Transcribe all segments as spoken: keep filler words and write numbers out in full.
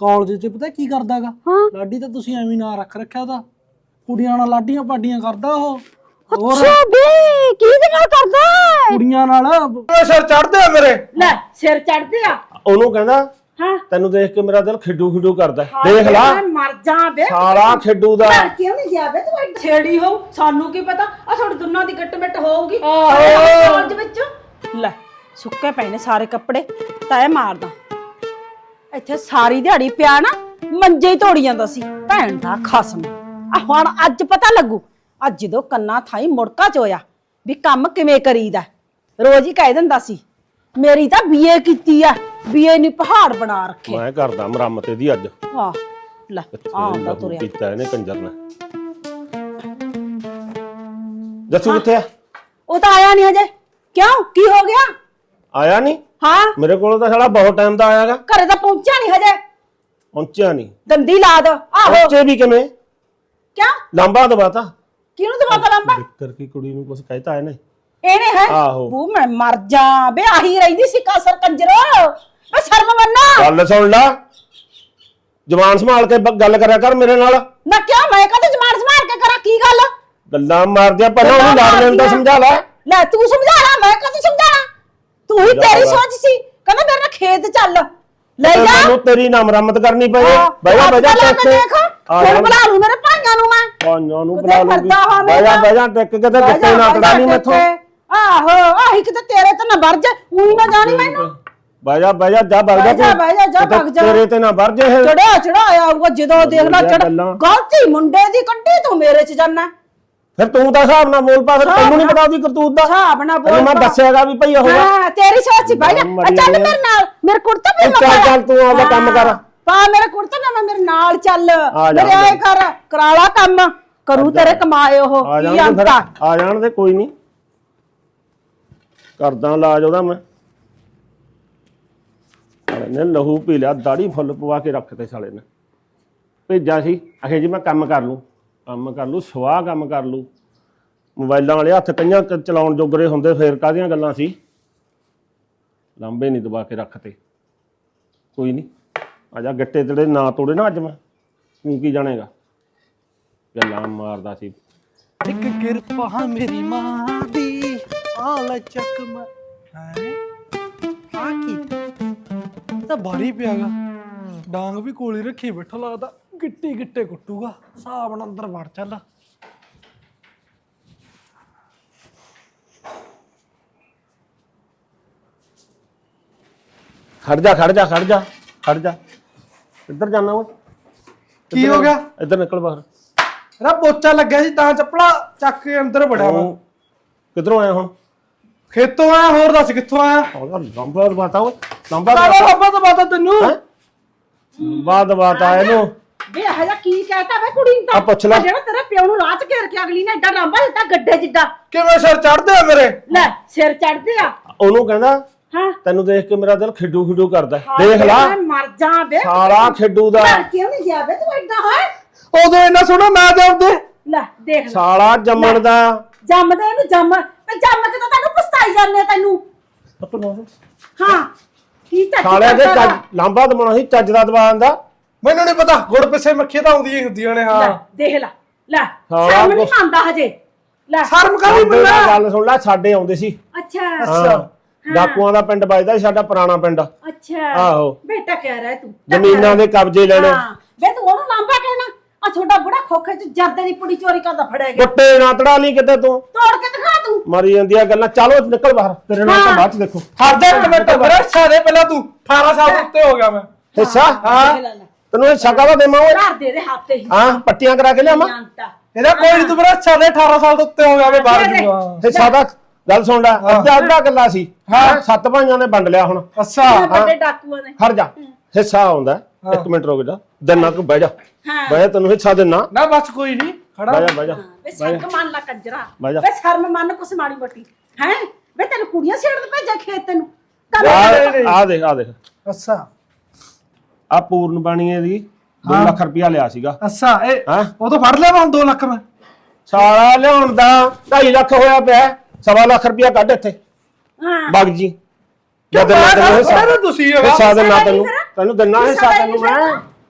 College ਚ ਪਤਾ ਕੀ ਕਰਦਾਗਾ ਲਾਡੀ ਤਾਂ ਤੁਸੀਂ ਐਵੇਂ ਨਾ ਰੱਖ ਰੱਖਿਆ ਉਹਦਾ ਕੁੜੀਆਂ ਨਾਲ ਲਾਡੀਆਂ ਪਾਡੀਆਂ ਕਰਦਾ ਉਹ ਅੱਛਾ ਬੇ ਕਿਹਦੇ ਨਾਲ ਕਰਦਾ ਕੁੜੀਆਂ ਨਾਲ ਸਿਰ ਚੜਦੇ ਆ ਮੇਰੇ ਲੈ ਸਿਰ ਚੜਦੇ ਆ ਉਹਨੂੰ ਕਹਿੰਦਾ ਹਾਂ ਤੈਨੂੰ ਦੇਖ ਕੇ ਮੇਰਾ ਦਿਲ ਖਿੱਡੂ ਖਿੱਡੂ ਕਰਦਾ ਦੇਖ ਲਾ ਮਰ ਜਾ ਬੇ ਸਾਲਾ ਖਿੱਡੂ ਦਾ ਕਿਉਂ ਨਹੀਂ ਗਿਆ ਬੇ ਤੂੰ ਛੇੜੀ ਹੋ ਸਾਨੂੰ ਕੀ ਪਤਾ ਆ ਤੁਹਾਡੀ ਦੋਨਾਂ ਦੀ ਗੱਟ ਮਿੱਟ ਹੋਊਗੀ ਆਹੋ ਕਾਲਜ ਵਿੱਚ ਲੈ ਸੁੱਕੇ ਪਏ ਨੇ ਸਾਰੇ ਕੱਪੜੇ ਤੈ ਮਾਰਦਾ ਇੱਥੇ ਸਾਰੀ ਦਿਹਾੜੀ ਪਿਆ ਨਾ ਮੰਜੇ ਹੀ ਤੋੜੀ ਜਾਂਦਾ ਸੀ ਭੈਣ ਦਾ ਖਸਮ ਆ ਹੁਣ ਅੱਜ ਪਤਾ ਲੱਗੂ ਅੱਜ ਜਦੋਂ ਕੰਨਾਂ ਥਾਈ ਮੁੜਕਾ ਚੋਇਆ ਵੀ ਕੰਮ ਕਿਵੇਂ ਕਰੀਦਾ ਰੋਜ਼ ਹੀ ਕਹਿ ਦਿੰਦਾ ਸੀ ਮੇਰੀ ਤਾਂ ਬੀਏ ਕੀਤੀ ਆ ਬੀਏ ਨਹੀਂ ਪਹਾੜ ਬਣਾ ਰੱਖੇ ਮੈਂ ਕਰਦਾ ਮੁਰੰਮਤ ਇਹਦੀ ਅੱਜ ਆਹ ਲੈ ਆਉਂਦਾ ਤੁਰਿਆ ਕੀਤਾ ਇਹਨੇ ਕੰਜਰ ਨੇ ਜੱਸੂ ਕਿੱਥੇ ਆ ਉਹ ਤਾਂ ਆਇਆ ਨਹੀਂ ਹਜੇ ਕਿਉਂ ਕੀ ਹੋ ਗਿਆ ਆਇਆ ਨਹੀਂ ਹਾਂ ਮੇਰੇ ਕੋਲ ਤਾਂ ਸਾਲਾ ਬਹੁਤ ਟਾਈਮ ਦਾ ਆਇਆਗਾ ਘਰੇ ਤਾਂ ਪਹੁੰਚਿਆ ਨਹੀਂ ਹਜੇ ਪਹੁੰਚਿਆ ਨਹੀਂ ਦੰਦੀ ਲਾ ਦੋ ਆਹੋ ਪਹੁੰਚੇ ਵੀ ਕਿਵੇਂ ਕਿਉਂ ਲੰਬਾ ਦਬਾਤਾ ਕਿਹਨੂੰ ਦਵਾਤਾ ਲੰਬਾ ਵਿਕਰ ਕੀ ਕੁੜੀ ਨੂੰ ਕੁਝ ਕਹਿਤਾ ਇਹਨੇ ਇਹਨੇ ਹੈ ਆਹੋ ਬੂ ਮੈਂ ਮਰ ਜਾ ਬੇ ਆਹੀ ਰਹਿੰਦੀ ਸੀ ਕਾਸਰ ਕੰਜਰੋ ਓ ਸ਼ਰਮ ਮੰਨਾ ਗੱਲ ਸੁਣ ਲੈ ਜ਼ਬਾਨ ਸੰਭਾਲ ਕੇ ਬ- ਗੱਲ ਕਰਿਆ ਕਰ ਮੇਰੇ ਨਾਲ ਨਾ ਕਿਉਂ ਮੈਂ ਕਦੇ ਜਮਾਨ ਸਮਾਰ ਕੇ ਕਰਾਂ ਕੀ ਗੱਲ ਗੱਲਾਂ ਮਾਰਦਿਆਂ ਪਹਿਲਾਂ ਉਹਨੂੰ ਲਾੜ ਲੈਣ ਦਾ ਸਮਝਾ ਲੈ ਲੈ ਤੂੰ ਸਮਝਾ ਲੈ ਮੈਂ ਕਦੇ ਸਮਝਾਣਾ ਤੂੰ ਹੀ ਤੇਰੀ ਸੋਚ ਸੀ ਕਹਿੰਦਾ ਮੇਰੇ ਨਾਲ ਖੇਤ ਚੱਲ ਲੈ ਜਾ ਮੈਨੂੰ ਤੇਰੀ ਨਾ ਮੁਰੰਮਤ ਕਰਨੀ ਪਈ ਬਹਿ ਜਾ ਬਹਿ ਜਾ ਟਿਕ ਦੇਖ ਹੁਣ ਬੁਲਾ ਲੂ ਮੇਰੇ ਭਾਈਆਂ ਨੂੰ ਮੈਂ ਭਾਈਆਂ ਨੂੰ ਕਿਤੇ ਬੁਲਾ ਲੂਗੀ ਫਿਰਦਾ ਹੋਵੇ ਬਹਿ ਜਾ ਤਾਂ। ਬਹਿ ਜਾ ਟਿਕ ਕੇ ਤੇ ਬਹਿ ਗੱਤੇ ਜਾ, ਨਾ ਬਹਿ ਤੜਾਣੀ ਜਾ ਮੈਥੋਂ ਟਿੱਕੇ। ਆਹੋ ਆਹੀ ਕਿਤੇ ਤੇਰੇ ਤੇ ਨਾ ਵਰਜ ਉਹੀ ਨਾ ਜਾਣੀ ਮੈਨੂੰ ਬਹਿ ਜਾ ਬਹਿ ਜਾ ਜਾ ਭੱਗ ਜਾ ਬਹਿ ਜਾ, ਬਹਿ ਜਾ, ਜਾ ਕਿਤੇ ਭੱਗ ਜਾ। ਤੇਰੇ ਤੇ ਨਾ ਵਰਜੇ ਇਹ ਚੜਾ ਚੜਾਇਆ ਆਊਗਾ ਜਦੋਂ ਦੇਖ ਲੈ ਚੜ ਗੱਲਾਂ। ਗਲਤੀ ਮੁੰਡੇ ਦੀ ਕੱਢੀ ਤੂੰ ਮੇਰੇ ਚ ਜਾਨਾ ਫਿਰ ਤੂੰ ਤਾਂ ਹਿਸਾਬ ਨਾਲ ਬੋਲ ਪਾ ਫਿਰ ਤੈਨੂੰ ਨਹੀਂ ਪਤਾ ਉਹਦੀ ਕਰਤੂਤ ਦਾ ਹਿਸਾਬ ਨਾਲ ਬੋਲ ਤੈਨੂੰ ਮੈਂ ਪਾ। ਦੱਸਿਆਗਾ ਵੀ ਭਈ ਹੋਗਾ ਹਾਂ ਤੇਰੀ ਸੋਚ ਸੀ ਬਹਿ ਜਾ ਆ ਚੱਲ ਮੇਰੇ ਨਾਲ ਮੇਰੇ ਕੁੜਤਾ ਪਜਾਮਾ ਚੱਲ ਚੱਲ ਤੂੰ ਆਪਦਾ ਕੰਮ ਕਰ ਪਾ ਮੇਰਾ ਕੁੜਤਾ ਨਾ ਮੇਰੇ ਨਾਲ ਚੱਲ ਆ ਜਾ, ਮੇਰੇ ਆਏ ਕਰ ਕਰਾਲਾ ਕੰਮ ਕਰੂ ਤੇਰੇ ਕਮਾਏ ਉਹ ਆ ਕੀ ਜਾਣ ਦੇ ਫਿਰ ਅੰਤਾ ਆ ਜਾਣ ਦੇ ਕੋਈ ਨਹੀਂ ਕਰਦਾ ਇਲਾਜ ਉਹਦਾ ਮੈਂ ਸਾਲੇ ਨੇ ਲਹੂ ਪੀ ਲਿਆ ਦਾੜੀ ਫੁੱਲ ਪਵਾ ਕੇ ਰੱਖਤੇ ਸਾਲੇ ਨੇ ਭੇਜਿਆ ਸੀ ਅਖੇ ਜੀ ਮੈਂ ਕੰਮ ਕਰ ਲੂੰ ਕੰਮ ਕਰ ਲੂ ਸਵਾਹ ਕੰਮ ਕਰ ਲੂ ਮੋਬਾਈਲਾਂ ਵਾਲੇ ਹੱਥ ਕਈਆਂ ਕ- ਚਲਾਉਣ ਜੋਗਰੇ ਹੁੰਦੇ ਫੇਰ ਕਾਹਦੀਆਂ ਗੱਲਾਂ ਸੀ ਲਾਂਬੇ ਨਹੀਂ ਦਬਾ ਕੇ ਰੱਖਤੇ ਕੋਈ ਨਹੀਂ ਆ ਜਾ ਗੱਟੇ ਤੇਰੇ ਨਾ ਤੋੜੇ ਨਾ ਅੱਜ ਮੈਂ ਤੂੰ ਕੀ ਜਾਣੇਗਾ ਗੱਲਾਂ ਮਾਰਦਾ ਸੀ ਇੱਕ ਕਿਰਪਾ ਮੇਰੀ ਮਾਂ ਦੀ ਆ ਲੈ ਚੱਕ ਮੈਂ ਹੈ ਆ ਕੀ ਤਾਂ ਭਾਰੀ ਪਿਆਗਾ ਡਾਂਗ ਵੀ ਕੋਲੇ ਰੱਖੀ ਬੈਠਾ ਲੱਗਦਾ ਗਿੱਟੀ ਗਿੱਟੇ ਕੁੱਟੂਗਾ ਹਿਸਾਬ ਨਾਲ ਅੰਦਰ ਵੜ ਚੱਲ ਖੜ ਜਾ ਖੜ ਜਾ ਖੜ ਜਾ ਖੜ ਜਾ ਇੱਧਰ ਜਾਣਾ ਓਏ ਕੀ ਹੋ ਗਿਆ ਇੱਧਰ ਨਿਕਲ ਬਾਹਰ ਰਾ ਪੋਚਾ ਲੱਗਿਆ ਸੀ ਤਾਂ ਚੱਪਲਾ ਚੱਕ ਕੇ ਅੰਦਰ ਵੜਿਆ ਵਾ ਤੂੰ ਕਿੱਧਰੋਂ ਆਇਆ ਹੁਣ ਖੇਤੋਂ ਆਇਆ ਹੋਰ ਦੱਸ ਕਿੱਥੋਂ ਆਇਆ ਉਹਦਾ ਲੰਬਾ ਦਬਾਤਾ ਓਏ ਲੰਬਾ ਕਾਲਾ ਦਬਾਤਾ ਰੱਬਾ ਤਾਂ ਬਾਤਾ ਤੈਨੂੰ ਲੰਬਾ ਦਬਾਤਾ ਇਹਨੂੰ ਵੇ ਇਹ ਜਾ ਕੀ ਕਹਿਤਾ ਵੇ ਕੁੜੀ ਨੂੰ ਆ ਪੁੱਛ ਲੈ। ਜਿਹੜਾ ਤੇਰੇ ਪਿਓ ਨੂੰ ਰਾਤ ਘੇਰ ਕੇ ਅਗਲੀ ਨੇ ਐਡਾ ਲੰਬਾ ਦਿੱਤਾ ਗੱਡੇ ਜਿੱਡਾ ਕਿਵੇਂ ਸਿਰ ਚੜਦੇ ਆ ਮੇਰੇ ਲੈ ਸਿਰ ਚੜਦੇ ਆ ਉਹਨੂੰ ਕਹਿੰਦਾ ਹਾਂ ਤੈਨੂੰ ਦੇਖ ਕੇ ਮੇਰਾ ਦਿਲ ਖਿੱਡੂ ਖਿੱਡੂ ਕਰਦਾ ਦੇਖ ਲਾ ਮੈਂ ਮਰ ਜਾ ਵੇ ਸਾਲਾ ਖਿੱਡੂ ਦਾ ਘਰ ਕਿਉਂ ਨਹੀਂ ਗਿਆ ਵੇ ਤੂੰ ਐਡਾ ਹੈ ਉਦੋਂ ਇੰਨਾ ਸੋਹਣਾ ਨਾ ਜਾਂਦੇ ਲੈ ਦੇਖ ਲੈ ਸਾਲਾ ਜੰਮਣ ਦਾ ਜੰਮਦੇ ਇਹਨੂੰ ਜੰਮ ਤੇ ਜੰਮ ਕੇ ਤਾਂ ਤੈਨੂੰ ਪਛਤਾਈ ਜਾਂਦੇ ਤੈਨੂੰ ਹਾਂ ਕੀ ਚੱਜ ਸਾਲਿਆ ਦੇ ਕਰਦਾ ਚੱਜ ਲੰਬਾ ਦਬਾਉਣਾ ਸੀ ਚੱਜ ਦਾ ਦਬਾ ਦਿੰਦਾ ਮੈਨੂੰ ਨਹੀਂ ਪਤਾ ਗੁੜ ਪਿੱਛੇ ਮੱਖੀਆਂ ਤਾਂ ਆਉਂਦੀਆਂ ਹੀ ਹੁੰਦੀਆਂ ਨੇ ਲੈ ਹਾਂ ਦੇਖ ਲੈ ਲੈ ਸਾਲਾ ਸ਼ਰਮ ਨਹੀਂ ਕੁਛ- ਮੰਨਦਾ ਹਜੇ ਲੈ ਸ਼ਰਮ ਕਾਹਦੀ ਸਾਡੇ ਨਾਲ ਮੰਨਾ ਗੱਲ ਸੁਣ ਲੈ ਸਾਡੇ ਆਉਂਦੇ ਸੀ ਅੱਛਾ ਹਾਂ ਡਾਕੂਆਂ ਦਾ ਪਿੰਡ ਵੱਜਦਾ ਸੀ ਸਾਡਾ ਪੁਰਾਣਾ ਪਿੰਡ ਅੱਛਾ ਆਹੋ ਬੇਟਾ ਕਹਿ ਰਿਹਾ ਤੂੰ ਜ਼ਮੀਨਾਂ ਦੇ ਕਬਜ਼ੇ ਲੈਣੇ ਹਾਂ ਵੇ ਤੂੰ ਉਹਨੂੰ ਲਾਂਬਾ ਕਹਿਣਾ ਆ ਛੋਟਾ ਬੁੜਾ ਖੋਖੇ ਚ ਜਰਦੇ ਦੀ ਪੁੜੀ ਚੋਰੀ ਕਰਦਾ ਫੜਿਆ ਗਿਆ ਗੁੱਟੇ ਨਾ ਤੜਾ ਲਈ ਕਿਤੇ ਤੂੰ ਤੋੜ ਕੇ ਦਿਖਾ ਤੂੰ ਮਾਰੀ ਜਾਂਦੀਆਂ ਗੱਲਾਂ ਚਲੋ ਨਿਕਲ ਬਾਹਰ ਤੇਰੇ ਨਾਲ ਤਾਂ ਬਾਅਦ ਚ ਦੇਖੋ ਹਰਦੇ ਇੱਕ ਮਿੰਟ ਮੇਰੇ ਸਾਰੇ ਪਹਿਲਾਂ ਤੂੰ ਅਠਾਰਾਂ ਸਾਲ ਤੋਂ ਉੱਤੇ ਹੋ ਗਿਆ ਮੈਂ ਹਿੱਸਾ ਹਾਂ ਦੇਖ ਲੈ ਲੈ ਤੈਨੂੰ ਹਿੱਸਾ ਕਾਹਦਾ ਦੇਵਾਂ ਓਏ ਘਰ ਦੇ ਦੇ ਹੱਥ ਹੀ ਹਾਂ ਪੱਟੀਆਂ ਕਰਾ ਕੇ ਲਿਆਵਾਂ ਜਾਣਦਾ ਇਹਦਾ ਕੋਈ ਨਹੀਂ ਤੂੰ ਮੇਰਾ ਸਾਰੇ ਅਠਾਰਾਂ ਸਾਲ ਤੋਂ ਉੱਤੇ ਹੋ ਗਿਆ ਮੈਂ ਬਾਹਰ ਜੂਗਾ ਹਿੱਸਾ ਦਾ ਗੱਲ ਸੁਣ ਲੈ ਅੱਧਾ ਅੱਧਾ ਗੱਲਾਂ ਸੀ ਹਾਂ ਸੱਤ ਭਾਈਆਂ ਨੇ ਵੰਡ ਲਿਆ ਹੁਣ ਅੱਛਾ ਵੱਡੇ ਡਾਕੂਆਂ ਨੇ ਖੜ ਜਾ ਹਿੱਸਾ ਆਉਂਦਾ ਇੱਕ ਮਿੰਟ ਰੁਕ ਜਾ ਦਿਨਾ ਤੂੰ ਬਹਿ ਜਾ ਹਾਂ ਬਹਿ ਜਾ ਤੈਨੂੰ ਹਿੱਸਾ ਦੇਣਾ ਨਾ ਬਸ ਕੋਈ ਨਹੀਂ ਖੜਾ ਬਹਿ ਜਾ ਬਹਿ ਜਾ ਵੇ ਸ਼ਰਮ ਮੰਨ ਲਾ ਕੰਜਰਾ ਬਹਿ ਜਾ। ਵੇ ਸ਼ਰਮ ਮੰਨ ਕੁਛ ਮਾੜੀ ਮੋਟੀ ਹੈ ਵੇ ਤੈਨੂੰ ਕੁੜੀਆਂ ਛੇੜਨ ਭੇਜਿਆ ਖੇਤ ਤੈਨੂੰ ਆ ਆ ਦੇਖ ਆ ਦੇਖ ਅੱਛਾ ਆ ਪੂਰਨ ਬਾਣੀਏ ਦੀ ਦੋ ਲੱਖ ਰੁਪਇਆ ਲਿਆ ਸੀਗਾ ਅੱਛਾ ਇਹ ਹਾਂ ਉਹ ਤਾਂ ਫੜ ਲਿਆ ਮੈਂ ਦੋ ਲੱਖ ਮੈਂ ਸਾਲਾ ਲਿਆਉਣ ਦਾ ਢਾਈ ਲੱਖ ਹੋਇਆ ਪਿਆ ਸਵਾ ਲੱਖ ਰੁਪਇਆ ਕੱਢ ਇੱਥੇ ਹਾਂ ਬਗ ਜੀ ਜਦ ਨਾ ਤੈਨੂੰ ਹਿੱਸਾ ਤੁਸੀਂ ਹਿੱਸਾ ਦੇਣਾ ਤੈਨੂੰ ਤੈਨੂੰ ਦੇਣਾ ਹਿੱਸਾ ਤੈਨੂੰ ਮੈਂ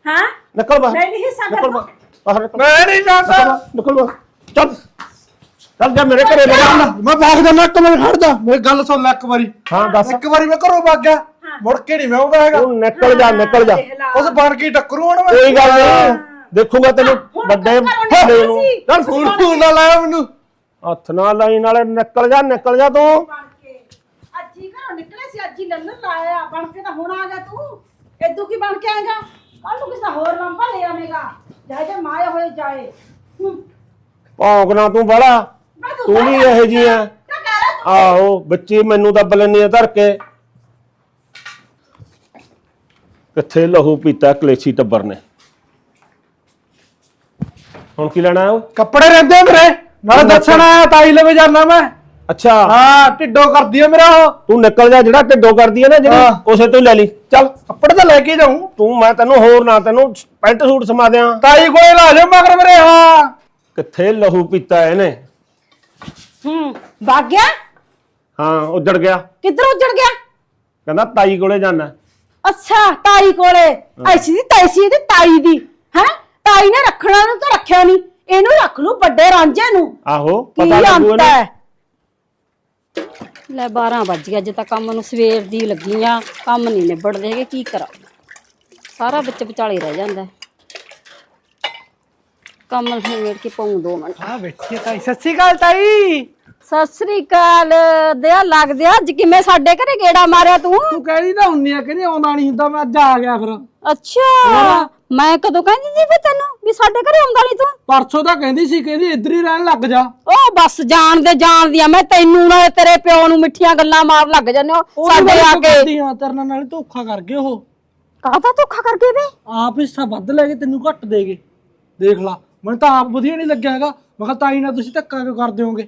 ਹਾਂ ਨਿਕਲ ਬਾਹਰ ਮੈਂ ਨਹੀਂ ਹਿੱਸਾ ਨਿਕਲ ਕਰਨਾ ਬਾਹਰ ਬਾਹਰ ਨਿਕਲ ਮੈਂ ਨਹੀਂ ਜਾਂਦਾ ਨਿਕਲ ਬਾਹਰ ਚੱਲ ਚੱਲ ਜਾ ਮੇਰੇ ਘਰੇ ਲੈ ਜਾ ਮੈਂ ਭਾਗ ਜਾਣਾ ਇੱਕ ਮਿੰਟ ਖੜ ਜਾ ਮੇਰੀ ਗੱਲ ਸੁਣ ਲੈ ਇੱਕ ਵਾਰੀ ਹਾਂ ਦੱਸ ਇੱਕ ਵਾਰੀ ਮੈਂ ਘਰੋਂ ਭੱਗ ਗਿਆ ਮੁੜ ਕੇ ਨਹੀਂ ਮੈਂ ਆਉਂਦਾ ਹੈਗਾ ਤੂੰ ਨਿਕਲ ਜਾ ਨਿਕਲ ਜਾ ਉਸ ਬਣ ਕੇ ਟੱਕਰੂ ਹੁਣ ਮੈਂ ਕੋਈ ਗੱਲ ਨਹੀਂ ਦੇਖੂਗਾ ਤੈਨੂੰ ਵੱਡੇ ਵੱਡੇ ਨੂੰ ਚੱਲ ਫੋਨ ਫੋਨ ਨਾ ਲਾਇਆ ਮੈਨੂੰ ਹੱਥ ਨਾਲ ਲਾਈ ਨਾਲੇ ਨਿਕਲ ਜਾ ਨਿਕਲ ਜਾ ਤੂੰ ਬਣ ਕੇ ਅੱਜ ਹੀ ਘਰੋਂ ਨਿਕਲੇ ਸੀ ਅੱਜ ਹੀ ਲੰਨਰ ਲਾਇਆ ਬਣ ਕੇ ਤਾਂ ਹੁਣ ਆ ਗਿਆ ਤੂੰ ਇਦੋਂ ਕੀ ਬਣ ਕੇ ਆਏਗਾ ਕੱਲ ਨੂੰ ਕਿਸੇ ਹੋਰ ਲੰਬਾ ਲੈ ਆਵੇਂਗਾ ਜਾਏ ਜੇ ਮਾਇਆ ਹੋਏ ਜਾਏ ਹੂੰ। ਭੌਂਕਣਾ ਤੂੰ ਬੜਾ ਮੈਂ ਤੂੰ ਵੀ ਇਹੋ ਜਿਹੀ ਆ ਕਿਆ ਕਹਿ ਰਿਹਾ ਤੂੰ ਆਹੋ ਬੱਚੀ ਮੈਨੂੰ ਦੱਬ ਲੈਣੀ ਆ ਧਰ ਕੇ ਕਿੱਥੇ ਲਹੂ ਪੀਤਾ ਕਲੇਸ਼ੀ ਟੱਬਰ ਨੇ ਹੁਣ ਕੀ ਲੈਣਾ ਉਹ ਕੱਪੜੇ ਰਹਿੰਦੇ ਆ ਮੇਰੇ ਨਾਲੇ ਦੱਸਣ ਆਇਆ ਤਾਈ ਲਵੇ ਜਾਣਾ ਮੈਂ ਅੱਛਾ ਹਾਂ ਢਿੱਡੋ ਕਰਦੀ ਆ ਮੇਰਾ ਉਹ ਤੂੰ ਨਿਕਲ ਜਾ ਜਿਹੜਾ ਢਿੱਡੋ ਕਰਦੀ ਹੈ ਨਾ ਜਿਹੜੀ ਉਸੇ ਤੋਂ ਹੀ ਲੈ ਲਈ ਚੱਲ ਕੱਪੜੇ ਤਾਂ ਲੈ ਕੇ ਜਾਊਂ ਤੂੰ ਮੈਂ ਤੈਨੂੰ ਹੋਰ ਨਾ ਤੈਨੂੰ ਪੈਂਟ ਸੂਟ ਸਮਾ ਦਿਆਂ ਤਾਈ ਕੋਲੇ ਲਾ ਜਾ ਮਗਰ ਮੇਰੇ ਹਾਂ ਕਿੱਥੇ ਲਹੂ ਪੀਤਾ ਇਹਨੇ ਹੂੰ ਭਾਗ ਗਿਆ ਹਾਂ ਉੱਜੜ ਗਿਆ ਕਿੱਧਰ ਉੱਜੜ ਗਿਆ ਕਹਿੰਦਾ ਤਾਈ ਕੋਲੇ ਜਾਣਾ ਅੱਛਾ ਤਾਈ ਕੋਲੇ ਐਸੀ ਦੀ ਤੈਸੀ ਦੀ ਤਾਈ ਦੀ ਹੈ ਤਾਈ ਨੇ ਰੱਖਣਾ ਨੂੰ ਤਾਂ ਰੱਖਿਆ ਨਹੀਂ ਇਹਨੂੰ ਰੱਖ ਲੂ ਵੱਡੇ ਰਾਂਝੇ ਨੂੰ ਆਹੋ ਕੀ ਪਤਾ ਲੱਗੂ ਅੰਤ ਇਹਨੂੰ ਹੈ ਲੈ ਬਾਰਾਂ ਵੱਜ ਗਏ, ਅਜੇ ਤਾਂ ਕੰਮ ਨੂੰ ਸਵੇਰ ਦੀ ਲੱਗੀ ਆ, ਕੰਮ ਨਹੀਂ ਨਿਬੜਦੇ ਹੈਗੇ, ਕੀ ਕਰਾਂ ਸਾਰਾ ਵਿੱਚ ਵਿਚਾਲੇ ਰਹਿ ਜਾਂਦਾ। ਕੰਮ ਨਿਬੜ ਕੇ ਪਾਉਂ ਦੋ ਮਿੰਟ। ਹਾਂ ਬੈਠੀ ਤਾਈ ਸਤਿ ਸ਼੍ਰੀ ਅਕਾਲ ਤਾਈ। ਸਤਿ ਸ੍ਰੀ ਅਕਾਲ ਦਿਆ ਲੱਗਦਿਆ, ਅੱਜ ਕਿਵੇਂ ਸਾਡੇ ਘਰੇ ਗੇੜਾ ਮਾਰਿਆ ਤੂੰ? ਤੂੰ ਕਹਿੰਦੀ ਤਾਂ ਹੁੰਨੀ ਆ ਕਹਿੰਦੀ ਆਉਂਦਾ ਨਹੀਂ ਹੁੰਦਾ, ਮੈਂ ਅੱਜ ਆ ਗਿਆ ਫਿਰ। ਅੱਛਾ ਮੈਂ ਕਦੋਂ ਕਹਿੰਦੀ ਸੀ ਫਿਰ ਤੈਨੂੰ ਵੀ ਸਾਡੇ ਘਰੇ ਆਉਂਦਾ ਨਹੀਂ ਤੂੰ? ਪਰਸੋਂ ਤਾਂ ਕਹਿੰਦੀ ਸੀ, ਕਹਿੰਦੀ ਇੱਧਰ ਹੀ ਰਹਿਣ ਲੱਗ ਜਾ। ਉਹ ਬਸ ਜਾਣਦੇ ਜਾਣਦੀ ਆ ਮੈਂ ਤੈਨੂੰ, ਨਾਲੇ ਤੇਰੇ ਪਿਓ ਨੂੰ ਮਿੱਠੀਆਂ ਗੱਲਾਂ ਮਾਰ ਲੱਗ ਜਾਂਦੇ ਹੋ ਸਾਡੇ ਆ ਕੇ। ਤੇਰੇ ਨਾਲ ਧੋਖਾ ਕਰ ਗਏ ਉਹ। ਕਾਹਦਾ ਧੋਖਾ ਕਰ ਗਏ ਵੇ? ਆਪ ਹਿੱਸਾ ਵੱਧ ਲੈ ਕੇ ਤੈਨੂੰ ਘੱਟ ਦੇ ਗਏ। ਦੇਖ ਲਾ ਮੈਨੂੰ ਤਾਂ ਆਪ ਵਧੀਆ ਨਹੀਂ ਲੱਗਿਆ ਹੈਗਾ। ਮੈਂ ਕਿਹਾ ਤਾਈ ਨਾਲ ਤੁਸੀਂ ਧੱਕਾ ਕਿਉਂ ਕਰ ਦਿਓਗੇ?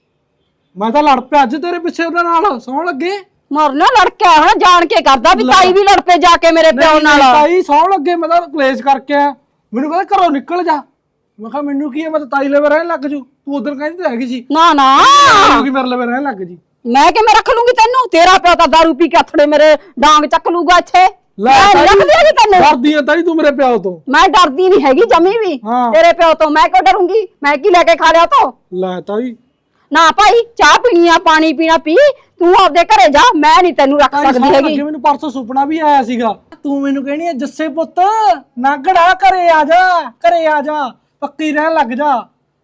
ਮੈਂ ਤਾਂ ਲੜ ਪਿਆ ਅੱਜ ਤੇਰੇ ਪਿੱਛੇ ਉਹਨਾਂ ਨਾਲ, ਸੌਣ ਲੱਗੇ। ਮਰਨਾ ਲੜਕਿਆ ਹਾਂ ਜਾਣ ਕੇ ਕਰਦਾ ਵੀ ਤਾਈ ਵੀ ਲੜ ਪਏ ਜਾ ਕੇ ਮੇਰੇ ਪਿਓ ਨਾਲ। ਤਾਈ ਸੌਣ ਲੱਗੇ, ਮੈਂ ਤਾਂ ਕਲੇਸ਼ ਕਰਕੇ ਆ। ਮੈਨੂੰ ਕਹਿੰਦਾ ਘਰੋਂ ਨਿਕਲ ਜਾ। ਮੈਂ ਕਿਹਾ ਮੈਨੂੰ ਕੀ ਹੈ, ਮੈਂ ਤਾਂ ਤਾਈ ਲਵੇ ਰਹਿਣ ਲੱਗ ਜੂ। ਤੂੰ ਉਧਰ ਕਹਿੰਦੀ ਤਾਂ ਹੈਗੀ ਸੀ ਨਾ ਨਾ ਕਿ ਮੇਰੇ ਲਵੇ ਰਹਿਣ ਲੱਗ ਜੀ। ਮੈਂ ਕਿਵੇਂ ਰੱਖ ਲੂੰਗੀ ਤੈਨੂੰ? ਤੇਰਾ ਪਿਓ ਤਾਂ ਦਾਰੂ ਪੀ ਕੇ ਅਥੜੇ ਮੇਰੇ ਡਾਂਗ ਚੱਕ ਲੂਗਾ ਇੱਥੇ। ਮੈਂ ਨੀ ਰੱਖਦੀ ਹੈਗੀ ਤੈਨੂੰ। ਡਰਦੀ ਆ ਤਾਈ ਤੂੰ ਮੇਰੇ ਪਿਓ ਤੋਂ? ਮੈਂ ਡਰਦੀ ਨਹੀਂ ਹੈਗੀ ਜਮੀ ਵੀ ਤੇਰੇ ਪਿਓ ਤੋਂ। ਮੈਂ ਕਿਉਂ ਡਰੂੰਗੀ? ਮੈਂ ਕੀ ਲੈ ਕੇ ਖਾ ਲਿਆ ਤੋ? ਲੈ ਤਾਈ ਨਾ ਭਾਈ, ਚਾਹ ਪੀਣੀ ਆ ਪਾਣੀ ਪੀਣਾ ਪੀ, ਤੂੰ ਆਪਦੇ ਘਰੇ ਜਾ, ਮੈਂ ਨਹੀਂ ਤੈਨੂੰ ਰੱਖ ਸਕਦੀ ਹੈਗੀ। ਮੈਨੂੰ ਪਰਸੋਂ ਸੁਪਨਾ ਵੀ ਆਇਆ ਸੀਗਾ, ਤੂੰ ਮੈਨੂੰ ਕਹਿਣੀ ਹੈ ਜੱਸੇ ਪੁੱਤ ਨਾਗੜਾ ਘਰੇ ਆ ਜਾ, ਘਰੇ ਆ ਜਾ, ਪੱਕੀ ਰਹਿਣ ਲੱਗ ਜਾ।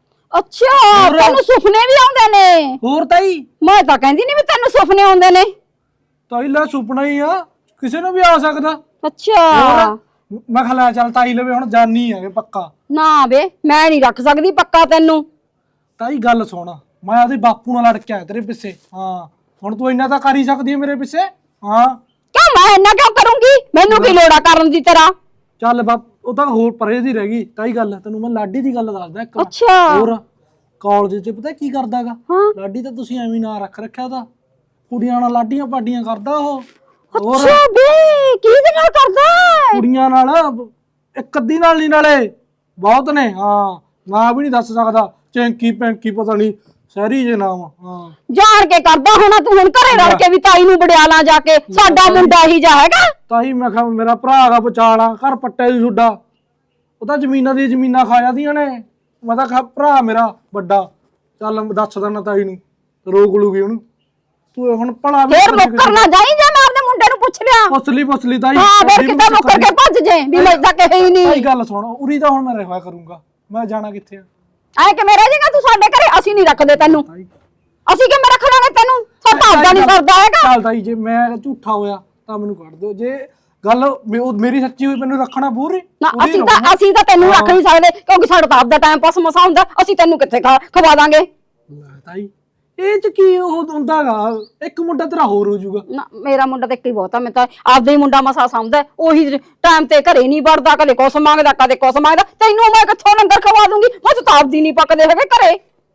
ਅੱਛਾ ਤੈਨੂੰ ਸੁਪਨੇ ਵੀ ਆਉਂਦੇ ਨੇ? ਹੋਰ ਤਾਈ ਮੈਂ ਤਾਂ ਕਹਿੰਦੀ ਨਹੀਂ ਵੀ ਤੈਨੂੰ ਸੁਪਨੇ ਆਉਂਦੇ ਨੇ। ਤਾਈ ਲੈ ਸੁਪਨਾ ਹੀ ਆ, ਕਿਸੇ ਨੂੰ ਵੀ ਆ ਸਕਦਾ। ਅੱਛਾ ਮੈਂ ਕਿਹਾ ਲੈ ਚੱਲ ਤਾਈ ਲਵੇ ਹੁਣ ਜਾਨੀ ਹੈਗੇ ਪੱਕਾ। ਨਾ ਵੇ ਮੈਂ ਨਹੀਂ ਰੱਖ ਸਕਦੀ ਪੱਕਾ ਤੈਨੂੰ। ਤਾਈ ਗੱਲ ਸੁਣ, ਮੈਂ ਉਹਦੇ ਬਾਪੂ ਨਾਲ ਲੜ ਕੇ ਆਇਆ ਤੇਰੇ ਪਿੱਛੇ। ਹਾਂ ਹੁਣ ਤੂੰ ਇੰਨਾ ਤਾਂ ਕਰ ਹੀ ਸਕਦੀ ਹੈ ਮੇਰੇ ਪਿੱਛੇ। ਹਾਂ ਕਿਉਂ ਮੈਂ ਇੰਨਾ ਕਿਉਂ ਕਰੂੰਗੀ? ਮੈਨੂੰ ਕੀ ਲੋੜਾ ਕਰਨ ਦੀ ਤੇਰਾ? ਚੱਲ ਬਾਪ ਉਹ ਤਾਂ ਹੋਰ ਪਰੇ ਦੀ ਰਹਿ ਗਈ ਤਾਈ ਗੱਲ। ਤੈਨੂੰ ਮੈਂ ਲਾਡੀ ਦੀ ਗੱਲ ਦੱਸਦਾ ਇੱਕ। ਅੱਛਾ ਹੋਰ ਕਾਲਜ 'ਚ ਪਤਾ ਕੀ ਕਰਦਾਗਾ ਹਾਂ ਲਾਡੀ? ਤਾਂ ਤੁਸੀਂ ਐਵੇਂ ਨਾਂ ਰੱਖ ਰੱਖਿਆ ਉਹਦਾ, ਕੁੜੀਆਂ ਨਾਲ ਲਾਡੀਆਂ ਪਾਡੀਆਂ ਕਰਦਾ ਉਹ। ਹੋਰ ਅੱਛਾ ਬੇ ਕਿਹਦੇ ਨਾਲ ਕਰਦਾ? ਕੁੜੀਆਂ ਨਾਲ, ਇੱਕ ਅੱਧੀ ਨਾਲ ਨਹੀਂ, ਨਾਲੇ ਬਹੁਤ ਨੇ। ਹਾਂ ਨਾਂ ਵੀ ਨਹੀਂ ਦੱਸ ਸਕਦਾ, ਚੈਂਕੀ ਪੈਂਕੀ ਪਤਾ ਨਹੀਂ ਸ਼ਹਿਰੀ ਜੇ ਨਾਮ। ਹਾਂ ਜਾਣ ਕੇ ਕਰਦਾ ਹੋਣਾ ਤੂੰ। ਹੁਣ ਘਰੇ ਰਲ ਕੇ ਵੀ ਤਾਈ ਨੂੰ ਬੜਿਆਲਾ ਜਾ ਕੇ, ਸਾਡਾ ਮੁੰਡਾ ਹੀ ਜਾ ਹੈਗਾ। ਤਾਈ ਮੈਂ ਕਿਹਾ ਮੇਰਾ ਭਰਾ ਦਾ ਬਚਾਲਾ ਘਰ ਪੱਟੇ ਦੀ ਸੁੱਡਾ, ਉਹ ਤਾਂ ਜ਼ਮੀਨਾਂ ਦੀ ਜ਼ਮੀਨਾਂ ਖਾ ਜਾਂਦੀਆਂ ਨੇ। ਮੈਂ ਤਾਂ ਕਿਹਾ ਭਰਾ ਮੇਰਾ ਵੱਡਾ, ਚੱਲ ਦੱਸ ਦੇਣਾ ਤਾਈ ਨੂੰ, ਰੋਕ ਲੂਗੀ ਉਹਨੂੰ। ਤੂੰ ਹੁਣ ਭਲਾ ਵੀ ਫੇਰ ਮੁੱਕਰ ਨਾ ਜਾਈ, ਜੇ ਮੈਂ ਆਪਣੇ ਮੁੰਡੇ ਨੂੰ ਪੁੱਛ ਲਿਆ। ਪਸਲੀ ਪਸਲੀ ਤਾਈ। ਹਾਂ ਫੇਰ ਕਿੱਦਾਂ ਮੁੱਕਰ ਕੇ ਭੱਜ ਜੇ ਵੀ ਮੈਂ ਤਾਂ ਕਹੇ ਹੀ ਨਹੀਂ। ਤਾਈ ਗੱਲ ਸੁਣ, ਉਰੀ ਤਾਂ ਹੁਣ ਮੈਂ ਰਹਿਆ ਕਰੂੰਗਾ, ਮੈਂ ਜਾਣਾ ਕਿੱਥੇ ਆ? ਐ ਕਿਵੇਂ ਰਹਿ ਜਾਏਗਾ ਤੂੰ ਸਾਡੇ ਘਰੇ? ਅਸੀਂ ਨਹੀਂ ਰੱਖਦੇ ਤੈਨੂੰ। ਅਸੀਂ ਕਿਵੇਂ ਰੱਖ ਲਾਂਗੇ ਤੈਨੂੰ? ਸਾਡਾ ਆਪਦਾ ਨਹੀਂ ਸਰਦਾ ਹੈਗਾ। ਚੱਲ ਤਾਈ ਜੇ ਮੈਂ ਝੂਠਾ ਹੋਇਆ ਤਾਂ ਮੈਨੂੰ ਕੱਢ ਦਿਓ। ਜੇ ਗੱਲ ਮੇ- ਉਹ ਮੇਰੀ ਸੱਚੀ ਹੋਈ ਮੈਨੂੰ ਰੱਖਣਾ ਪੂਰੀ ਨਾ ਅਸੀਂ ਤਾਂ ਅਸੀਂ ਤਾਂ ਤੈਨੂੰ ਰੱਖ ਨਹੀਂ ਸਕਦੇ, ਕਿਉਂਕਿ ਸਾਡਾ ਤਾਂ ਆਪਦਾ ਟਾਈਮ ਪਾਸ ਮਸਾ ਹੁੰਦਾ। ਅਸੀਂ ਤੈਨੂੰ ਕਿੱਥੇ ਖਾ ਖਵਾ ਦਾਂਗੇ? ਤਾਈ ਇਹ ਚ ਕੀ ਉਹ ਹੁੰਦਾਗਾ, ਇੱਕ ਮੁੰਡਾ ਤੇਰਾ ਹੋਰ ਹੋ ਜਾਊਗਾ। ਨਾ ਮੇਰਾ ਮੁੰਡਾ ਤਾਂ ਇੱਕ ਹੀ ਬਹੁਤ ਆ। ਮੈਂ ਤਾਂ ਆਪਦਾ ਹੀ ਮੁੰਡਾ ਮਸਾ ਸਮਝਦਾ, ਉਹੀ ਟਾਈਮ ਤੇ ਘਰੇ ਨਹੀਂ ਵੜਦਾ, ਕਦੇ ਕੁਛ ਮੰਗਦਾ ਕਦੇ ਕੁਛ ਮੰਗਦਾ। ਤੈਨੂੰ ਮੈਂ ਕਿੱਥੋਂ ਲੰਗਰ ਖਵਾ ਦੂੰਗੀ? ਮੈਂ ਤਾਂ ਆਪਦੀ ਨਹੀਂ ਪੱਕਦੇ ਹੈਗੇ ਘਰੇ।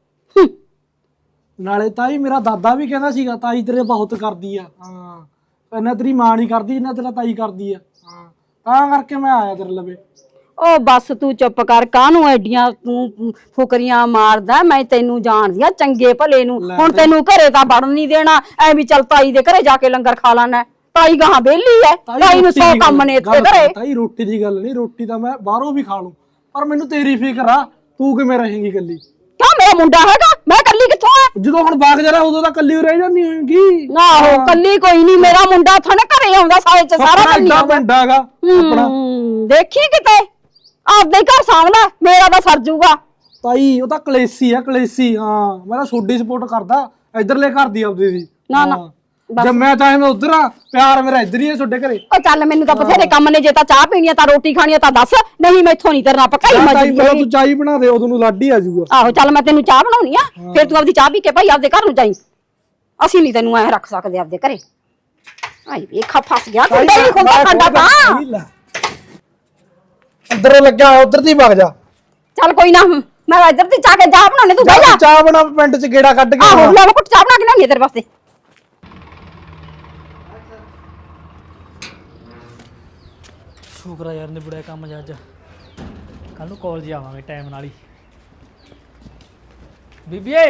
ਨਾਲੇ ਤਾਈ ਮੇਰਾ ਦਾਦਾ ਵੀ ਕਹਿੰਦਾ ਸੀਗਾ ਤਾਈ ਤੇਰੇ ਬਹੁਤ ਕਰਦੀ ਆ। ਹਾਂ ਇੰਨਾ ਤੇਰੀ ਮਾਂ ਨਹੀਂ ਕਰਦੀ ਜਿੰਨਾ ਤੇਰਾ ਤਾਈ ਕਰਦੀ ਆ। ਹਾਂ ਤਾਂ ਕਰਕੇ ਮੈਂ ਆਇਆ ਤੇਰੇ ਲਵੇ। ਉਹ ਬਸ ਤੂੰ ਚੁੱਪ ਕਰ, ਕਾਹਨੂੰ ਐਡੀਆਂ ਤੂੰ ਫੁਕਰੀਆਂ ਮਾਰਦਾ? ਮੈਂ ਤੈਨੂੰ ਜਾਣਦੀ ਆ ਚੰਗੇ ਭਲੇ ਨੂੰ। ਹੁਣ ਤੈਨੂੰ ਘਰੇ ਤਾਂ ਵੜਨ ਨਹੀਂ ਦੇਣਾ, ਐ ਵੀ ਚੱਲ ਤਾਈ ਦੇ ਘਰੇ ਜਾ ਕੇ ਲੰਗਰ ਖਾ ਲਾਣਾ। ਤਾਈ ਗਾਹਾਂ ਵਿਹਲੀ ਐ ਤਾਈ ਨੂੰ ਸੌ ਕੰਮ ਨੇ ਇੱਥੇ ਘਰੇ। ਤਾਈ ਰੋਟੀ ਦੀ ਗੱਲ ਨਹੀਂ, ਰੋਟੀ ਤਾਂ ਮੈਂ ਬਾਹਰੋਂ ਵੀ ਖਾ ਲੂੰ, ਪਰ ਮੈਨੂੰ ਤੇਰੀ ਫਿਕਰ ਆ, ਤੂੰ ਕਿਵੇਂ ਰਹੇਂਗੀ ਇਕੱਲੀ? ਕਿਉਂ ਮੇਰਾ ਮੁੰਡਾ ਹੈਗਾ, ਮੈਂ ਕੱਲੀ ਕਿੱਥੋਂ ਆ? ਜਦੋਂ ਹੁਣ ਬਾਗ ਜਰਾ ਉਦੋਂ ਤਾਂ ਇਕੱਲੀ ਰਹਿ ਜਾਂਦੀ ਹੋਏਗੀ। ਆਹੋ ਕੱਲੀ ਕੋਈ ਨਹੀਂ, ਮੇਰਾ ਮੁੰਡਾ ਥਾਂ ਨਾ ਘਰੇ ਆਉਂਦਾ ਸਾਲੇ ਚ ਸਾਰਾ ਦਿਨ ਏਡਾ ਪਿੰਡਾ ਹੈਗਾ ਆਪਣਾ। ਹੂੰ, ਦੇਖੀ ਕਿਤੇ ਆਪਦੇ ਹੀ ਘਰ ਸਾਂਭਦਾ, ਮੇਰਾ ਤਾਂ ਸਰ ਜੂਗਾ। ਤਾਈ ਉਹ ਤਾਂ ਕਲੇਸੀ ਆ, ਕਲੇਸੀ। ਹਾਂ ਮੈਂ ਤਾਂ ਛੋਡੀ ਸਪੋਰਟ ਕਰਦਾ, ਇਧਰਲੇ ਘਰ ਦੀ ਆਪਦੀ ਦੀ। ਨਾ ਨਾ ਜਦ ਮੈਂ ਚਾਹੇ ਮੈਂ ਉਧਰ ਆ, ਪਿਆਰ ਮੇਰਾ ਇੱਧਰ ਹੀ ਹੈ ਛੋਡੇ ਘਰੇ। ਉਹ ਚੱਲ ਮੈਨੂੰ ਤਾਂ ਬਥੇਰੇ ਕੰਮ ਨੇ, ਜੇ ਤਾਂ ਚਾਹ ਪੀਣੀ ਆ ਤਾਂ ਰੋਟੀ ਖਾਣੀ ਆ ਤਾਂ ਦੱਸ, ਨਹੀਂ ਮੈਥੋਂ ਨਹੀਂ ਤੇਰੇ ਨਾਲ ਪਕਾਈ ਤਾਈ ਮਜਦੀ ਪਹਿਲਾਂ ਤੂੰ ਚਾਹ ਹੀ ਬਣਾ ਦੇ, ਉਦੋਂ ਨੂੰ ਲਾਡੀ ਆ ਜਾਊਗਾ। ਆਹੋ ਚੱਲ ਮੈਂ ਤੈਨੂੰ ਚਾਹ ਬਣਾਉਣੀ ਆ, ਫਿਰ ਤੂੰ ਆਪਦੀ ਚਾਹ ਪੀ ਕੇ ਭਾਈ ਆਪਦੇ ਘਰ ਨੂੰ ਜਾਈ। ਅਸੀਂ ਨਹੀਂ ਤੈਨੂੰ ਐ ਰੱਖ ਸਕਦੇ ਆਪਦੇ ਘਰੇ। ਆਈ ਵੇਖਾ ਫਸ ਗਿਆ ਕੁੰਡਾ ਹੀ ਖੁੰਦਾ ਸਾਡਾ ਤਾਂ। ਅੰਦਰੋਂ ਲੱਗਿਆ ਹੋਇਆ, ਉਧਰ ਦੀ ਵਗ ਜਾ। ਚੱਲ ਕੋਈ ਨਾ, ਮੈਂ ਇੱਧਰ ਦੀ ਚਾਹ ਕੇ ਚਾਹ ਬਣਾਉਣੇ, ਤੂੰ ਬਹਿ ਜਾ। ਚਾਹ ਬਣਾ, ਪਿੰਡ ਚ ਗੇੜਾ ਕੱਢ ਕੇ ਆਹੋ ਲੈ ਕੁੱਟ ਚਾਹ ਬਣਾ ਕੇ ਲਿਆਉਣੀ ਤੇਰੇ ਵਾਸਤੇ। ਸ਼ੁਕਰ ਆ ਯਾਰ ਨਿਬੜਿਆ ਕੰਮ ਅੱਜ। ਕੱਲ ਨੂੰ ਕਾਲਜ ਆਵਾਂਗੇ ਟਾਈਮ ਨਾਲ ਹੀ। ਬੀਬੀਏ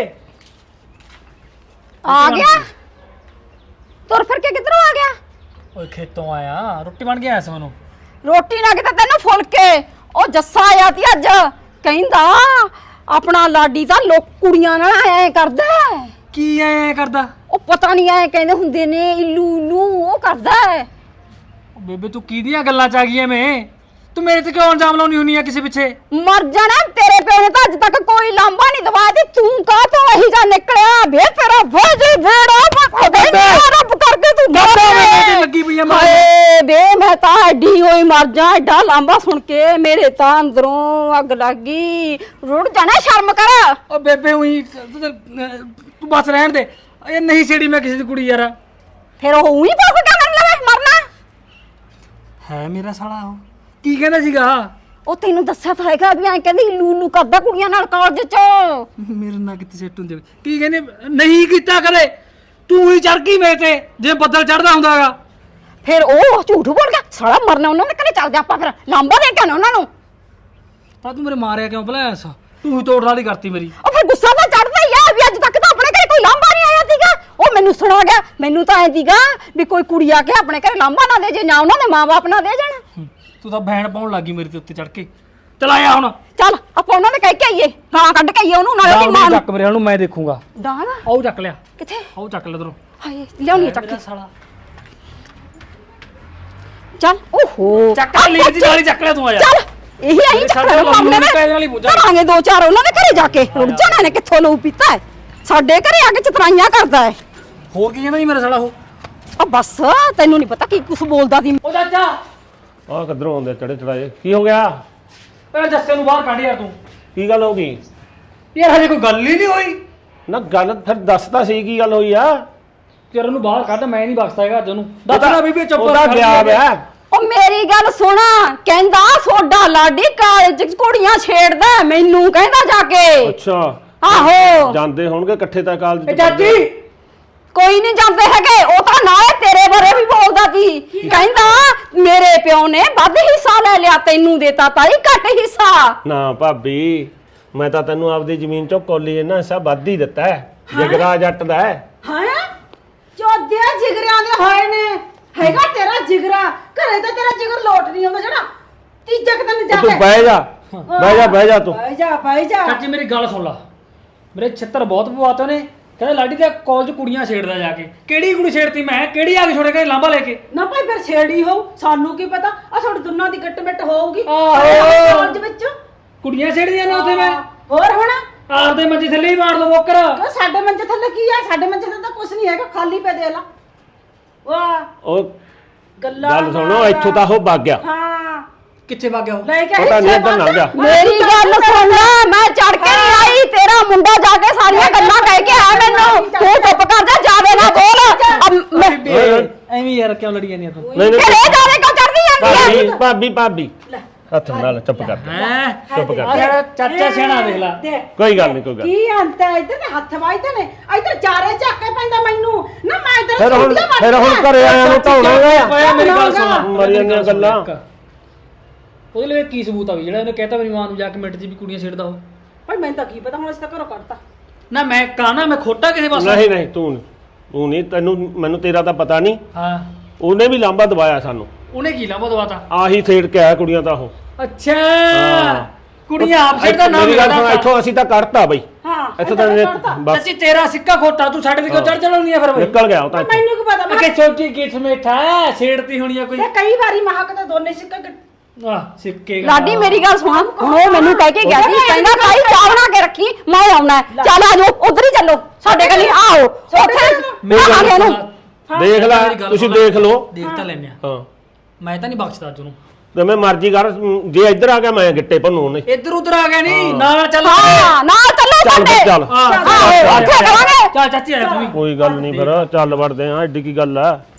ਆ ਗਿਆ ਤੁਰ ਫਿਰ ਕੇ ਕਿੱਧਰੋਂ ਆ ਗਿਆ? ਓਏ ਖੇਤੋਂ ਆਇਆ, ਰੋਟੀ ਬਣ ਕੇ ਆਇਆ ਸੀ ਮੈਨੂੰ। ਰੋਟੀ ਨਾ ਕਿਤੇ ਤੈਨੂੰ ਫੁਲਕੇ। ਉਹ ਜੱਸਾ ਆਇਆ ਤੀ ਅੱਜ, ਕਹਿੰਦਾ ਆਪਣਾ ਲਾਡੀ ਤਾਂ ਲੋਕ ਕੁੜੀਆਂ ਨਾਲ ਐ ਕਰਦਾ। ਕੀ ਐ ਕਰਦਾ? ਉਹ ਪਤਾ ਨਹੀਂ ਐ ਕਹਿੰਦੇ ਹੁੰਦੇ ਨੇ ਇਲੂ ਇਲੂ, ਉਹ ਕਰਦਾ। ਓ ਬੇਬੇ ਤੂੰ ਕਿਹਦੀਆਂ ਗੱਲਾਂ ਚ ਆ ਗਈ ਐ? ਮੈਂ ਤੂੰ ਮੇਰੇ ਤੇ ਕਿਉਂ ਇਲਜ਼ਾਮ ਲਾਉਣੀ ਹੁੰਨੀ ਆ ਕਿਸੇ ਪਿੱਛੇ? ਮਰ ਜਾਣਾ, ਤੇਰੇ ਪਿਓ ਨੇ ਤਾਂ ਅੱਜ ਤੱਕ ਕੋਈ ਲਾਂਬਾ ਨਹੀਂ ਦਵਾਇਆ ਤੇ ਤੂੰ ਕਾਹ ਤੋਂ ਇਹੀ ਜਾ ਨਿਕਲਿਆ? ਵੇ ਤੇਰਾ ਭੋਜੀ ਬੇੜਾ ਮੈਂ ਖੁਦ ਹੀ ਰੱਬ ਕਰਕੇ ਤੂੰ ਮਰ ਤੇ ਲੱਗੀ ਪਈ ਆ ਮਾਰ। ਹਾਏ ਬੇ ਮੈਂ ਤਾਂ ਐਡੀ ਹੋਈ ਮਰ ਜਾ, ਐਡਾ ਲਾਂਬਾ ਸੁਣ ਕੇ ਮੇਰੇ ਤਾਂ ਅੰਦਰੋਂ ਅੱਗ ਲੱਗ ਗਈ। ਰੁੜ ਜਾਣਾ, ਸ਼ਰਮ ਕਰ। ਓ ਬੇਬੇ ਉਹੀ ਤੂੰ ਬਸ ਰਹਿਣ ਦੇ, ਇਹ ਨਹੀਂ ਛੇੜੀ ਮੈਂ ਕਿਸੇ ਦੀ ਕੁੜੀ ਯਾਰ। ਫਿਰ ਉਹ ਉਹੀ ਪਾਸ ਕਰ ਲਵੇ ਮਰਨਾ ਹੈ ਮੇਰਾ ਸਾਲਾ ਉਹ ਕੀ ਕਹਿੰਦਾ ਸੀਗਾ? ਉਹ ਤੈਨੂੰ ਦੱਸਿਆ ਤਾਂ ਹੈਗਾ ਵੀ ਐਂ ਕਹਿੰਦੀ ਲੂਲੂ ਕਰਦਾ ਕੁੜੀਆਂ ਨਾਲ ਕਾਲਜ ਚ। ਮੇਰੇ ਨਾਲ ਕਿੱਥੇ ਸੈੱਟ ਹੁੰਦੇ? ਕੀ ਕਹਿੰਦੇ? ਨਹੀਂ ਕੀਤਾ ਕਦੇ, ਤੂੰ ਹੀ ਚੜ ਗਈ ਮੇਰੇ ਤੇ ਜੇ ਬੱਦਲ ਚੜਦਾ ਹੁੰਦਾਗਾ। ਫਿਰ ਉਹ ਝੂਠ ਬੋਲ ਗਿਆ ਸਾਲਾ, ਮਰਨਾ ਉਹਨਾਂ ਦੇ ਘਰੇ ਚੱਲ ਜਾ ਆਪਾਂ, ਫਿਰ ਲਾਂਬਾ ਦੇ ਕੇ ਆਉਣਾ ਉਹਨਾਂ ਨੂੰ। ਪਰ ਤੂੰ ਮੇਰੇ ਮਾਰਿਆ ਕਿਉਂ ਭਲਾ ਐਸਾ? ਤੂੰ ਹੀ ਤੋੜ ਵਾਲੀ ਕਰਤੀ ਮੇਰੀ। ਉਹ ਫਿਰ ਗੁੱਸਾ ਤਾਂ ਚੜਦਾ ਹੀ ਆ ਵੀ ਅੱਜ ਤੱਕ ਤਾਂ ਆਪਣੇ ਘਰੇ ਕੋਈ ਲਾਂਬਾ ਨਹੀਂ ਆਇਆ ਸੀਗਾ। ਉਹ ਮੈਨੂੰ ਸੁਣਾ ਗਿਆ, ਮੈਨੂੰ ਤਾਂ ਐ ਸੀਗਾ ਵੀ ਕੋਈ ਕੁੜੀ ਆ ਕੇ ਆਪਣੇ ਘਰੇ ਲਾਂਬਾ ਨਾ ਦੇ ਜੇ, ਨਾ ਉਹਨਾਂ ਦੇ ਮਾਂ-ਬਾਪ ਨਾ ਦੇ ਜਾਣ। ਹੂੰ, ਤੂੰ ਤਾਂ ਬੈਣ ਪਾਉਣ ਲੱਗੀ ਮੇਰੇ ਤੇ ਉੱਤੇ ਚੜ ਕੇ। ਚਲ ਆਇਆ ਹੁਣ, ਚੱਲ ਆਪਾਂ ਉਹਨਾਂ ਨੇ ਕਹਿ ਕੇ ਆਈਏ, ਗਾਲਾਂ ਕੱਢ ਕੇ ਆਈਏ ਉਹਨੂੰ, ਨਾਲੇ ਉਹਦੀ ਮਾਂ ਨੂੰ। ਚੱਕ ਮੇਰੇ ਨੂੰ, ਮੈਂ ਦੇਖੂੰਗਾ। ਡਾਂ ਨਾ ਆਓ ਚੱਕ ਲਿਆ, ਕਿੱਥੇ? ਆਓ ਚੱਕ ਲੈ ਤੈਨੂੰ। ਹਾਏ ਲਿਆਉਣੀ ਆ ਚੱਕ ਕੇ। ਸਾਲਾ ਚੱਲ ਓਹੋ ਚੱਕ ਲੈ, ਲੀਰ ਦੀ ਨਾਲ ਹੀ ਚੱਕ ਲਿਆ ਤੂੰ। ਆ ਜਾ ਚੱਲ ਇਹੀ ਆਹੀ ਚੱਕਰ ਮਾਮਲੇ ਨੇ ਕਰਾਂਗੇ ਦੋ ਚਾਰ ਉਹਨਾਂ ਦੇ ਘਰੇ ਜਾ ਕੇ। ਰੁੜ ਜਾਣਾ ਨੇ ਕਿੱਥੋਂ ਲਊ ਪੀਤਾ ਹੈ, ਸਾਡੇ ਘਰੇ ਆ ਕੇ ਚਤਰਾਈਆਂ ਕਰਦਾ ਹੈ। ਹੋਰ ਕੀ ਕਹਿੰਦਾ ਜੀ ਮੇਰਾ ਸਾਲਾ ਉਹ? ਆ ਬਸ ਤੈਨੂੰ ਨਹੀਂ ਪਤਾ ਕੀ ਕੁਛ ਬੋਲਦਾ ਸੀ। ਉਹ ਚਾਚਾ ਆਹ ਕਿੱਧਰੋਂ ਆਉਂਦੇ ਚੜੇ ਚੜਾਏ? ਕੀ ਹੋ ਗਿਆ? ਪਹਿਲਾਂ ਜੱਸੇ ਨੂੰ ਬਾਹਰ ਕੱਢ ਯਾਰ ਤੂੰ। ਕੀ ਗੱਲ ਹੋ ਗਈ? ਯਾਰ ਹਜੇ ਕੋਈ ਗੱਲ ਹੀ ਨਹੀਂ ਹੋਈ। ਨਾ ਗੱਲ ਫਿਰ ਦੱਸ ਤਾਂ ਸਹੀ, ਕੀ ਗੱਲ ਹੋਈ ਆ? ਤੇਰੇ ਨੂੰ ਬਾਹਰ ਕੱਢ, ਮੈਂ ਨਹੀਂ ਬਖਸ਼ਦਾ ਹੈਗਾ ਅੱਜ ਉਹਨੂੰ। ਦੱਸਣਾ ਬੀਬੀ ਚੁੱਪ ਉਹਦਾ ਗਿਆ ਵਿਆ। ਉਹ ਮੇਰੀ ਗੱਲ ਸੁਣ, ਕਹਿੰਦਾ ਸੋਡਾ ਲਾਡੀ ਕਾਲਜ ਚ ਕੁੜੀਆਂ ਛੇੜਦਾ, ਮੈਨੂੰ ਕਹਿੰਦਾ ਜਾ ਕੇ। ਅੱਛਾ ਆਹੋ ਜਾਂਦੇ ਹੋਣਗੇ ਇਕੱਠੇ ਤਾਂ ਕਾਲਜ ਇਹ ਚਾਚੀ ਕੋਈ ਨਹੀਂ ਜਾਂਦੇ ਹੈਗੇ, ਉਹ ਤਾਂ ਨਾਲੇ ਤੇਰੇ ਬਾਰੇ ਵੀ ਬੋਲਦਾ ਸੀ। ਕਹਿੰਦਾ ਮੇਰੇ ਪਿਓ ਨੇ ਵੱਧ ਹਿੱਸਾ ਲੈ ਲਿਆ, ਤੈਨੂੰ ਦੇਤਾ ਤਾਈ ਘੱਟ ਹਿੱਸਾ। ਨਾ ਭਾਬੀ, ਮੈਂ ਤਾਂ ਤੈਨੂੰ ਆਪਦੀ ਜ਼ਮੀਨ ਚੋਂ ਕੋਲੀ ਇਹਨਾਂ ਹਿੱਸਾ ਵੱਧ ਹੀ ਦਿੱਤਾ ਹੈ, ਜਗਰਾ ਜੱਟ ਦਾ ਹੈ। ਹਾਂ ਚੋਦਿਆ ਜਿਗਰਿਆਂ ਦੇ ਹੋਏ ਨੇ, ਹੈਗਾ ਤੇਰਾ ਜਿਗਰਾ ਘਰੇ ਤਾਂ ਤੇਰਾ ਜਿਗਰ ਲੋਟ ਨਹੀਂ ਆਉਂਦਾ ਜਿਹੜਾ ਤੀਜੇ ਦਿਨ ਜਾ ਤੂੰ ਕੇ। ਬਹਿ ਜਾ ਬਹਿ ਜਾ ਬਹਿ ਜਾ ਤੂੰ। ਬਹਿ ਜਾ ਬਹਿ ਜਾ। ਚਾਚੀ ਮੇਰੀ ਗੱਲ ਸੁਣ ਲਾ, ਮੇਰੇ ਛਿੱਤਰ ਬਹੁਤ ਪਵਾਤੇ ਉਹਨੇ। ਕਹਿੰਦਾ ਲਾਡੀ ਤੇ ਕਾਲਜ ਕੁੜੀਆਂ ਛੇੜਦਾ ਜਾ ਕੇ। ਕਿਹੜੀ ਕੁੜੀ ਛੇੜਤੀ ਮੈਂ? ਕਿਹੜੀ ਆ ਕੇ ਛੋੜੇ ਕੇ ਲਾਂਬਾ ਲੈ ਕੇ? ਨਾ ਭਾਈ ਫਿਰ ਛੇੜੀ ਹੋਊ, ਸਾਨੂੰ ਕੀ ਪਤਾ। ਆ ਤੁਹਾਡੀ ਦੋਨਾਂ ਦੀ ਗੱਟ ਮਿੱਟ ਹੋਊਗੀ ਆਹੋ। ਕਾਲਜ ਵਿੱਚ। ਕੁੜੀਆਂ ਛੇੜਦੀਆਂ ਨੇ ਉੱਥੇ ਮੈਂ। ਹੋਰ ਹੁਣ ਆਪਦੇ ਮੰਜੇ ਥੱਲੇ ਹੀ ਮਾਰ ਦੋ ਬੋਕਰ। ਕਿਉਂ ਸਾਡੇ ਮੰਜੇ ਥੱਲੇ ਕੀ ਆ? ਸਾਡੇ ਮੰਜੇ ਥੱਲੇ ਤਾਂ ਕੁਝ ਨਹੀਂ ਹੈਗਾ, ਖਾਲੀ ਪੈ ਦੇ ਲਾ। ਵਾਹ ਉਹ ਗੱਲਾਂ ਗੱਲ ਸੁਣੋ, ਇੱਥੋਂ ਤਾਂ ਉਹ ਵਗ ਗਿਆ। ਹਾਂ ਕਿੱਥੇ ਵਗ ਗਿਆ ਉਹ? ਲੈ ਕੇ ਪਤਾ ਨਹੀਂ ਇੱਧਰ ਲੰਘ ਗਿਆ। ਮੇਰੀ ਗੱਲ ਸੁਣ ਲੈ, ਮੈਂ ਚੜ ਕੇ ਨਹੀਂ ਆਈ, ਤੇਰਾ ਮੁੰਡਾ ਜਾ ਕੇ ਸਾਰੀਆਂ ਗੱਲਾਂ ਕਹਿ ਕੇ ਆ ਮੈਨੂੰ। ਤੂੰ ਚੁੱਪ ਕਰ ਜਾ, ਜਾਵੇ ਨਾ ਬੋਲ। ਅਬ ਮੈਂ- ਬੀਬੀ, ਐਵੇਂ ਯਾਰ ਕਿਉਂ ਲੜੀ ਜਾਂਦੀ ਆ ਤੂੰ? ਨਹੀਂ ਫਿਰ ਨਹੀਂ ਇਹ ਜਾਵੇ ਕਿਉਂ ਚੜਦੀ ਜਾਂਦੀ ਭਾਬੀ ਹੈ? ਭਾਬੀ ਭਾਬੀ ਹੱਥ ਨਾਲ ਚੁੱਪ ਕਰ। ਹੈਂ? ਚੁੱਪ ਕਰ। ਆ ਜਿਹੜਾ ਚਾਚਾ ਸਿਆਣਾ ਦੇਖ ਲਾ। ਕੋਈ ਗੱਲ ਨਹੀਂ ਕੋਈ ਗੱਲ। ਕੀ ਅੰਤ ਹੈ? ਇੱਧਰ ਤੇ ਹੱਥ ਵਾਈਦੇ ਨੇ, ਇੱਧਰ ਚਾਰੇ ਝਾਕੇ ਪੈਂਦਾ ਮੈਨੂੰ ਨਾ। ਮੈਂ ਇੱਧਰ ਫਿਰ ਹੁਣ ਛੁੱਟੀਆਂ ਫਿਰ ਹੁਣ ਮਾਰਨੀਆਂ। ਘਰੇ ਆਇਆ ਨੂੰ ਢਾਉਣਾ ਓਏ ਮੇਰੀ ਗੱਲ ਸੁਣ, ਮਰੀ ਜਾਂਦੀਆਂ ਗੱਲਾਂ। ਉਹਦੇ ਲਈ ਕੀ ਸਬੂਤ ਆ ਵੀ ਜਿਹੜਾ ਇਹਨੇ ਕਹਿਤਾ ਮੇਰੀ ਮਾਂ ਨੂੰ ਜਾ ਕੇ ਮਿੰਟ 'ਚ ਵੀ ਕੁੜੀਆਂ ਛੇੜਦਾ ਉਹ? ਭਾਈ ਮੈਨੂੰ ਤਾਂ ਕੀ ਪਤਾ, ਹੁਣ ਅਸੀਂ ਤਾਂ ਘਰੋਂ ਕੱਢਤਾ। ਨਾ ਮੈਂ ਕਾਹਨਾ, ਮੈਂ ਖੋਟਾ ਕਿਸੇ ਪਾਸੇ? ਨਹੀਂ ਨਹੀਂ ਤੂੰ ਤੂੰ ਨਹੀਂ, ਤੈਨੂੰ ਮੈਨੂੰ ਤੇਰਾ ਤਾਂ ਪਤਾ ਨਹੀਂ। ਹਾਂ ਉਹਨੇ ਵੀ ਲਾਂਬਾ ਦਵਾਇਆ ਸਾਨੂੰ। ਉਹਨੇ ਕੀ ਲਾਂਭਾ ਦਵਾਤਾ? ਆਹੀ ਛੇੜ ਕੇ ਆਇਆ ਕੁੜੀਆਂ ਤਾਂ ਉਹ। ਅੱਛਾ ਕੁੜੀਆਂ ਆਪ ਛੇੜਦਾ ਨਾ ਮੇਰੀ ਗੱਲ ਸੁਣ, ਇੱਥੋਂ ਅਸੀਂ ਤਾਂ ਕੱਢਤਾ ਬਈ। ਹਾਂ ਇੱਥੋਂ ਤਾਂ ਬਸ ਚਾਚੀ ਤੇਰਾ ਸਿੱਕਾ ਖੋਟਾ, ਤੂੰ ਸਾਡੇ ਤੇ ਕਿਉਂ ਚੜ ਚੜਾਉਣੀ ਆ ਫਿਰ ਬਈ? ਨਿਕਲ ਗਿਆ ਉਹ ਤਾਂ ਇੱਥੋਂ। ਮੈਨੂੰ ਕੀ ਪਤਾ ਮੈਂ ਕਿ ਛੋਟੀ ਗਿੱਠ ਮੇਠਾ ਛੇੜਤੀ ਹੋਣੀ ਆ ਕੋਈ। ਤੇ ਕਈ ਵਾਰੀ ਮਹਾਕ ਤਾਂ ਦੋਨੇ ਸਿੱਕਾ ਕੱਟ- ਆਹ ਸਿੱਕੇ ਲਾਡੀ ਮੇਰੀ ਗੱਲ ਸੁਣ, ਹੁਣ ਉਹ ਮੈਨੂੰ ਕਹਿ ਕੇ ਗਿਆ ਸੀ, ਕਹਿੰਦਾ ਭਾਈ ਚਾਹ ਬਣਾ ਕੇ ਰੱਖੀ, ਮੈਂ ਆਉਣਾ ਹੈ। ਚੱਲ ਆ ਜਾਓ, ਉਧਰ ਹੀ ਚੱਲੋ, ਸਾਡੇ ਕੋਲ ਆਓ ਉੱਥੇ ਆ ਗਏ ਨੂੰ। ਦੇਖ ਲੈ, ਤੁਸੀਂ ਦੇਖ ਲਓ। ਦੇਖ ਤਾਂ ਲੈਨੇ ਆ, ਹਾਂ ਮੈਂ ਤਾਂ ਨਹੀਂ ਬਖਸ਼ਦਾ ਤੈਨੂੰ। ਜਿਵੇਂ ਮਰਜ਼ੀ ਕਰ, ਜੇ ਇੱਧਰ ਆ ਗਿਆ ਮੈਂ ਗਿੱਟੇ ਭੰਨੂ ਉਹਨੇ। ਇੱਧਰ ਉਧਰ ਆ ਗਿਆ ਨਹੀਂ, ਨਾਲ ਚੱਲ। ਹਾਂ ਨਾਲ ਚੱਲੋ ਚੱਲ ਸਾਡੇ। ਫਿਰ ਚੱਲ। ਆਹ, ਆਹੋ, ਉੱਥੇ ਕਰਾਂਗੇ। ਚੱਲ ਚਾਚੀ ਆ ਤੂੰ ਵੀ। ਕੋਈ ਗੱਲ ਨਹੀਂ ਫਿਰ ਚੱਲ ਵੜਦੇ ਆ, ਐਡੀ ਕੀ ਗੱਲ ਆ।